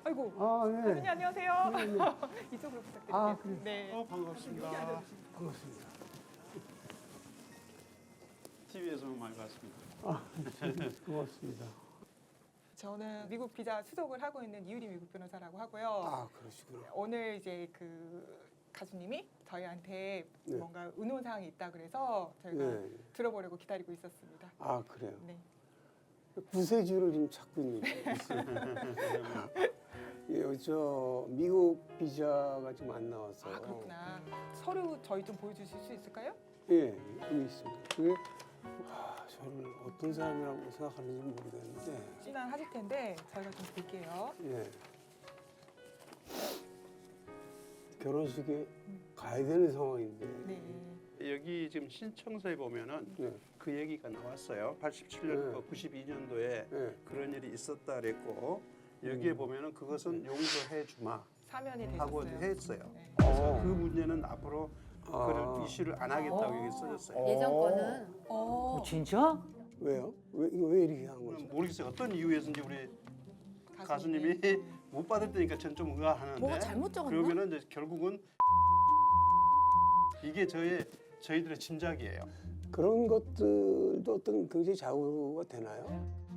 아이고. 아, 네. 선생님 안녕하세요. 네, 네. 이쪽으로 부탁드릴게요. 아, 그래요? 네. 반갑습니다. 반갑습니다. TV에서만 많이 봤습니다. 아, 고맙습니다. 저는 미국 비자 수속을 하고 있는 이유리 미국 변호사라고 하고요. 아, 그러시구나. 오늘 이제 그 가수님이 저희한테 네. 뭔가 의논 사항이 있다 그래서 저희가 네. 들어보려고 기다리고 있었습니다. 아, 그래요. 네. 구세주를 좀 찾고 있는 예, 저 미국 비자가 좀 안 나와서. 아 그렇구나. 서류 저희 좀 보여주실 수 있을까요? 예, 여기 있습니다. 그게 저를 어떤 사람이라고 생각하는지 모르겠는데. 진단하실 텐데 저희가 좀 볼게요. 예. 결혼식에 가야 되는 상황인데. 네. 여기 지금 신청서에 보면은 네. 그 얘기가 나왔어요. 87년, 92년도에 네. 그런 일이 있었다 그랬고 여기에 보면은 그것은 용서해 주마 사면이 하고 되셨어요. 했어요. 네. 그래서 그 문제는 앞으로 아. 그런 이슈를 안 하겠다고 여기 써졌어요. 예전 거는 어, 진짜? 왜요? 왜 이렇게 한 거죠? 모르겠어요. 어떤 이유에서인지 우리 가수님이 못 받았다니까 전 좀 의아하는데. 뭐가 잘못 적었나? 그러면은 이제 결국은 이게 저희들의 짐작이에요. 그런 것들도 어떤 굉장히 좌우가 되나요?